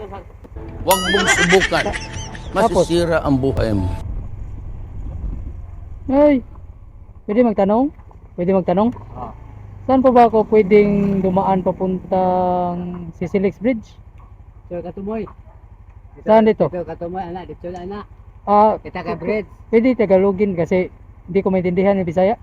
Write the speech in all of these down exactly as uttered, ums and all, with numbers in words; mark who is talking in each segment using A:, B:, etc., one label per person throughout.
A: dito sa...
B: Huwag mong subukan. Masisira ang buhay mo.
C: Ay, pwede magtanong? Pwede magtanong?
A: Oh.
C: Saan po ba ako pwedeng dumaan papuntang Sisilix Bridge?
A: So, Katumoy.
C: Saan dito?
A: Dito, Katumoy, anak. Dito na, anak.
C: Ah,
A: Kita ka bridge.
C: pwede Tagalogin kasi hindi ko maintindihan yung Bisaya.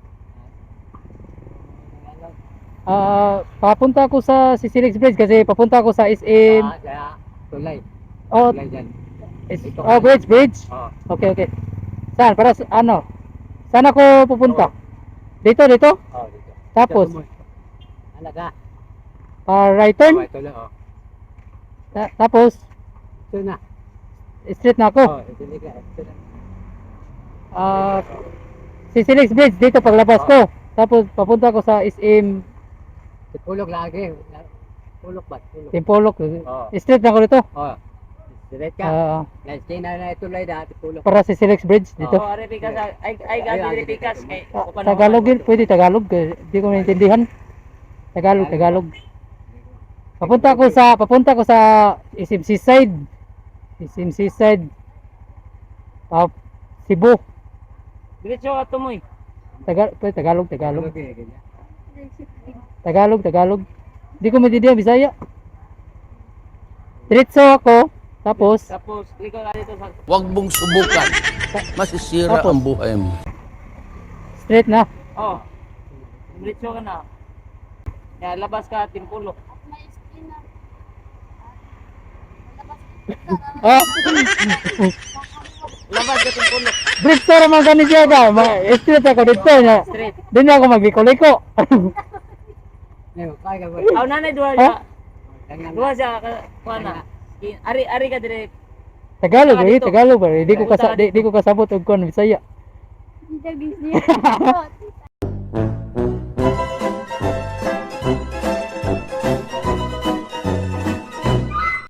C: Ah, papunta ako sa Sisilix Bridge kasi papunta ako sa S M.
A: Ah, kaya, tulay.
C: Oh,
A: Tulay dyan.
C: is, oh, bridge, bridge.
A: Oh.
C: Okay, okay. Saan? Para sa, ano? Saan ako pupunta? Dito, dito?
A: Oh, dito.
C: Tapos,
A: Katumoy. Anak ka.
C: ah, right turn?
A: Oh, tulay, oh.
C: Ta- tapos,
A: Ito na.
C: straight na ako.
A: Oh, ito na ka. Ito na.
C: Ah, Sisilix Bridge dito paglabas
A: Oh.
C: ko. Tapos papunta ko sa S M
A: Pulok lagi. Pulok ba? Pulok.
C: Timpolok.
A: Oh.
C: Straight na ako dito.
A: Oh. Direct ka.
C: Ah,
A: Next day na na tulay dati pulok.
C: para sa Sisilix Bridge dito.
A: Oh, Aripikas. Ay, ay, gabi Aripikas.
C: Ah, Tagalog yun, pwede Tagalog. Hindi ko maintindihan. Tagalog, Tagalog. Papunta ko sa papunta ko sa S M Seaside. S M Seaside. Ah, Cebu.
A: Diretso ka tumoy.
C: Tagal, pwede Tagalog, Tagalog.
A: Okay, ganyan.
C: Tagalog, Tagalog. Hindi ko maintindihan Bisaya. Diretso ako, tapos
A: Tapos, ikaw ka dito sa...
B: Huwag mong subukan. Masisira
C: Tapos?
B: ang buhay mo.
C: straight na.
A: Oh. Diretso ka na. Kaya labas ka, timpulok.
C: Ah,
A: Labas ka, timpulok.
C: bridge to naman ganun siya ka. Ma- Straight ako dito na.
A: Straight.
C: Doon ako magliko-liko.
A: Ngayon, kaya ka ba? Aw, nanay, duha
C: Ha?
A: siya. Duha siya, ka- kuha na. Ari, ari ka dire.
C: Tagalog,
A: Saka
C: eh,
A: dito.
C: Tagalog. Eh. Di ko
A: Punta
C: kasa,
A: ka
C: di, di ko kasabot og kon Bisaya.
D: Hindi, busy.